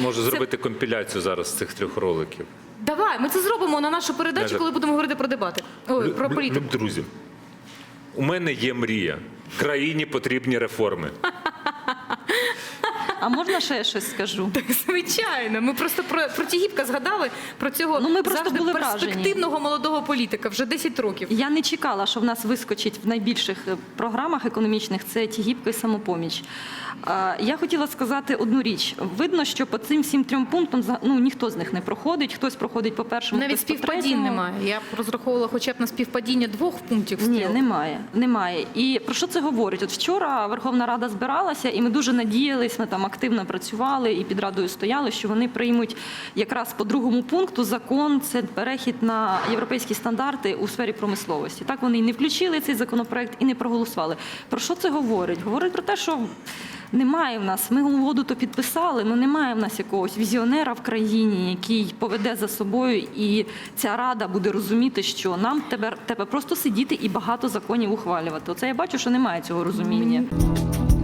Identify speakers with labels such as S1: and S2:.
S1: можу зробити компіляцію зараз з цих 3 роликів.
S2: Давай, ми це зробимо на нашу передачу, коли будемо говорити про дебати. Ой, про політику.
S1: Друзі, у мене є мрія. Країні потрібні реформи.
S3: А можна ще я щось скажу?
S2: Так, звичайно. Ми просто про Тігіпка згадали, про цього
S3: Ну, ми просто
S2: завжди
S3: були
S2: перспективного молодого політика, вже 10 років.
S3: Я не чекала, що в нас вискочить в найбільших програмах економічних це Тігіпко і Самопоміч. Я хотіла сказати одну річ. Видно, що по цим всім 3 пунктам ніхто з них не проходить. Хтось проходить по першому,
S2: Навіть
S3: хтось по
S2: співпадінь
S3: третьому.
S2: немає. Я розраховувала хоча б на співпадіння 2 пунктів.
S3: Ні, немає. І про що це говорить? От вчора Верховна Рада збиралася, і ми дуже надіялись, ми там активно працювали і під Радою стояли, що вони приймуть якраз по 2 пункту закон, це перехід на європейські стандарти у сфері промисловості. Так вони і не включили цей законопроект, і не проголосували. Про що це говорить? Говорить про те, що немає в нас, ми угоду то підписали, але немає в нас якогось візіонера в країні, який поведе за собою, і ця Рада буде розуміти, що нам тебе просто сидіти і багато законів ухвалювати. Оце я бачу, що немає цього розуміння.